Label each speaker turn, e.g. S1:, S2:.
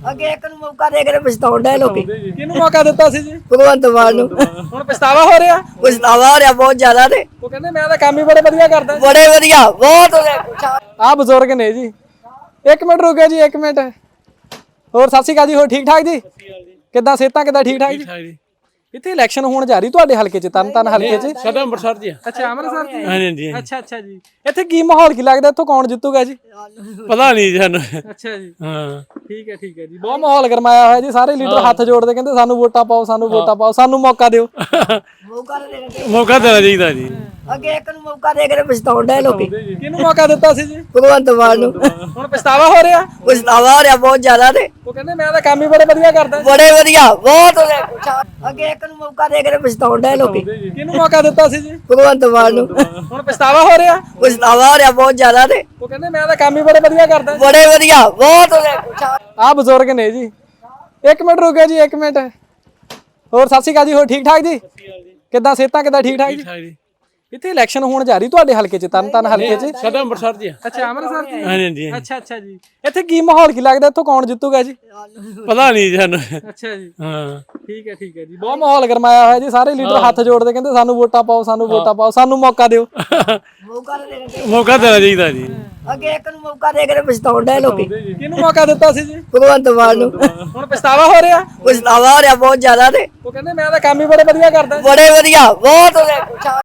S1: ਅੱਗੇ ਇੱਕ ਨੂੰ ਮੌਕਾ ਦੇ ਕੇ ਪਛਤਾਉਣ ਡਏ ਲੋਕੀ।
S2: ਕਿਹਨੂੰ ਮੌਕਾ ਦਿੱਤਾ ਸੀ ਜੀ?
S1: ਭਗਵੰਤ ਮਾਨ ਨੂੰ
S2: ਹੁਣ ਪਛਤਾਵਾ ਹੋ ਰਿਹਾ?
S1: ਪਛਤਾਵਾ ਹੋ ਰਿਹਾ ਬਹੁਤ ਜ਼ਿਆਦਾ ਤੇ
S2: ਉਹ ਕਹਿੰਦੇ ਮੈਂ ਤਾਂ ਕੰਮ ਹੀ ਬੜੇ ਵਧੀਆ ਕਰਦਾ।
S1: ਬੜੇ ਵਧੀਆ ਬਹੁਤ ਹੋ ਗਿਆ।
S2: ਆਹ ਬਜ਼ੁਰਗ ਨੇ ਜੀ। 1 ਮਿੰਟ ਰੁਕਿਓ ਜੀ, 1 ਮਿੰਟ। ਹੋਰ ਸਤਿ ਸ਼੍ਰੀ ਅਕਾਲ ਜੀ। ਹੋਰ ਠੀਕ ਠਾਕ ਜੀ? ਕਿੱਦਾਂ ਸਿਹਤਾਂ ਕਿੱਦਾਂ? ਠੀਕ ਠਾਕ ਜੀ। ਇੱਥੇ ਇਲੈਕਸ਼ਨ ਹੋਣ ਜਾ ਰਹੀ ਤੁਹਾਡੇ ਹਲਕੇ 'ਚ, ਤਰਨਤਾਰਨ ਹਲਕੇ 'ਚ?
S3: ਸਾਡਾ ਅੰਮ੍ਰਿਤਸਰ ਜੀ।
S2: ਅੱਛਾ, ਅੰਮ੍ਰਿਤਸਰ ਜੀ।
S3: ਹਾਂਜੀ।
S2: ਅੱਛਾ ਜੀ। ਇੱਥੇ ਕੀ ਮਾਹੌਲ ਕੀ ਲੱਗਦਾ? ਇੱਥੋਂ ਕੌਣ ਜਿੱਤੂਗਾ ਜੀ?
S3: ਪਤਾ ਨਹੀਂ ਸਾਨੂੰ।
S2: ਅੱਛਾ ਜੀ।
S3: ਹਾਂ
S2: ਠੀਕ ਹੈ ਜੀ। ਬਹੁਤ ਮਾਹੌਲ ਗਰਮਾਇਆ ਹੋਇਆ ਜੀ। ਸਾਰੇ ਲੀਡਰ ਹੱਥ ਜੋੜਦੇ ਕਹਿੰਦੇ ਸਾਨੂੰ ਵੋਟਾਂ ਪਾਓ, ਸਾਨੂੰ ਵੋਟਾਂ ਪਾਓ, ਸਾਨੂੰ ਮੌਕਾ ਦਿਓ।
S3: ਮੌਕਾ ਦੇਣਾ ਚਾਹੀਦਾ ਜੀ।
S1: ਅੱਗੇ ਇੱਕ ਨੂੰ ਮੌਕਾ ਦੇ ਕੇ ਪਛਤਾਉਣ ਡਏ ਲੋਕੀ।
S2: ਕਿਹਨੂੰ ਮੌਕਾ ਦਿੱਤਾ ਸੀ ਜੀ?
S1: ਭਗਵੰਤ ਮਾਨ ਨੂੰ
S2: ਹੁਣ ਪਛਤਾਵਾ ਹੋ ਰਿਹਾ?
S1: ਪਛਤਾਵਾ ਹੋ ਰਿਹਾ ਬਹੁਤ ਜ਼ਿਆਦਾ ਤੇ
S2: ਉਹ ਕਹਿੰਦੇ ਮੈਂ ਤਾਂ ਕੰਮ ਹੀ ਬੜੇ ਵਧੀਆ ਕਰਦਾ।
S1: ਬੜੇ ਵਧੀਆ ਬਹੁਤ ਹੋ ਗਿਆ। ਅੱਗੇ ਇੱਕ ਨੂੰ ਮੌਕਾ ਦੇ ਕੇ ਪਛਤਾਉਣ ਡਏ ਲੋਕੀ।
S2: ਕਿਹਨੂੰ ਮੌਕਾ ਦਿੱਤਾ ਸੀ ਜੀ?
S1: ਭਗਵੰਤ ਮਾਨ ਨੂੰ
S2: ਹੁਣ ਪਛਤਾਵਾ ਹੋ ਰਿਹਾ?
S1: ਪਛਤਾਵਾ ਹੋ ਰਿਹਾ ਬਹੁਤ ਜ਼ਿਆਦਾ ਤੇ
S2: ਉਹ ਕਹਿੰਦੇ ਮੈਂ ਤਾਂ ਕੰਮ ਹੀ ਬੜੇ ਵਧੀਆ ਕਰਦਾ।
S1: ਬੜੇ ਵਧੀਆ ਬਹੁਤ ਹੋ ਗਿਆ।
S2: ਆਹ ਬਜ਼ੁਰਗ ਨੇ ਜੀ। 1 ਮਿੰਟ ਰੁਕਿਓ ਜੀ, 1 ਮਿੰਟ। ਹੋਰ ਸਤਿ ਸ਼੍ਰੀ ਅਕਾਲ ਜੀ। ਹੋਰ ਠੀਕ ਠਾਕ ਜੀ? ਕਿੱਦਾਂ ਸਿਹਤਾਂ ਕਿੱਦਾਂ? ਠੀਕ ਠਾਕ ਜੀ। ਇੱਥੇ ਇਲੈਕਸ਼ਨ ਹੋਣ ਜਾ ਰਹੀ ਤੁਹਾਡੇ ਹਲਕੇ 'ਚ, ਤਰਨਤਾਰਨ ਹਲਕੇ 'ਚ?
S3: ਸਾਡਾ ਅੰਮ੍ਰਿਤਸਰ ਜੀ।
S2: ਅੱਛਾ, ਅੰਮ੍ਰਿਤਸਰ ਜੀ।
S3: ਹਾਂਜੀ।
S2: ਅੱਛਾ ਜੀ। ਇੱਥੇ ਕੀ ਮਾਹੌਲ ਕੀ ਲੱਗਦਾ? ਇੱਥੋਂ ਕੌਣ ਜਿੱਤੂਗਾ ਜੀ?
S3: ਪਤਾ ਨਹੀਂ ਸਾਨੂੰ।
S2: ਅੱਛਾ ਜੀ।
S3: ਹਾਂ
S2: ਠੀਕ ਹੈ ਜੀ। ਬਹੁਤ ਮਾਹੌਲ ਗਰਮਾਇਆ ਹੋਇਆ ਜੀ। ਸਾਰੇ ਲੀਡਰ ਹੱਥ ਜੋੜਦੇ ਕਹਿੰਦੇ ਸਾਨੂੰ ਵੋਟਾਂ ਪਾਓ, ਸਾਨੂੰ ਵੋਟਾਂ ਪਾਓ, ਸਾਨੂੰ ਮੌਕਾ ਦਿਓ।
S3: ਮੌਕਾ ਦੇਣਾ ਚਾਹੀਦਾ ਜੀ।
S1: ਅੱਗੇ ਇੱਕ ਨੂੰ ਮੌਕਾ ਦੇ ਕੇ ਪਛਤਾਉਣ ਡਏ ਲੋਕੀ।
S2: ਕਿਹਨੂੰ ਮੌਕਾ ਦਿੱਤਾ ਸੀ ਜੀ?
S1: ਭਗਵੰਤ ਮਾਨ ਨੂੰ
S2: ਹੁਣ ਪਛਤਾਵਾ ਹੋ ਰਿਹਾ?
S1: ਪਛਤਾਵਾ ਹੋ ਰਿਹਾ ਬਹੁਤ ਜ਼ਿਆਦਾ ਤੇ
S2: ਉਹ ਕਹਿੰਦੇ ਮੈਂ ਤਾਂ ਕੰਮ ਹੀ ਬੜੇ ਵਧੀਆ ਕਰਦਾ।
S1: ਬੜੇ ਵਧੀਆ ਬਹੁਤ ਹੋ ਗਿਆ।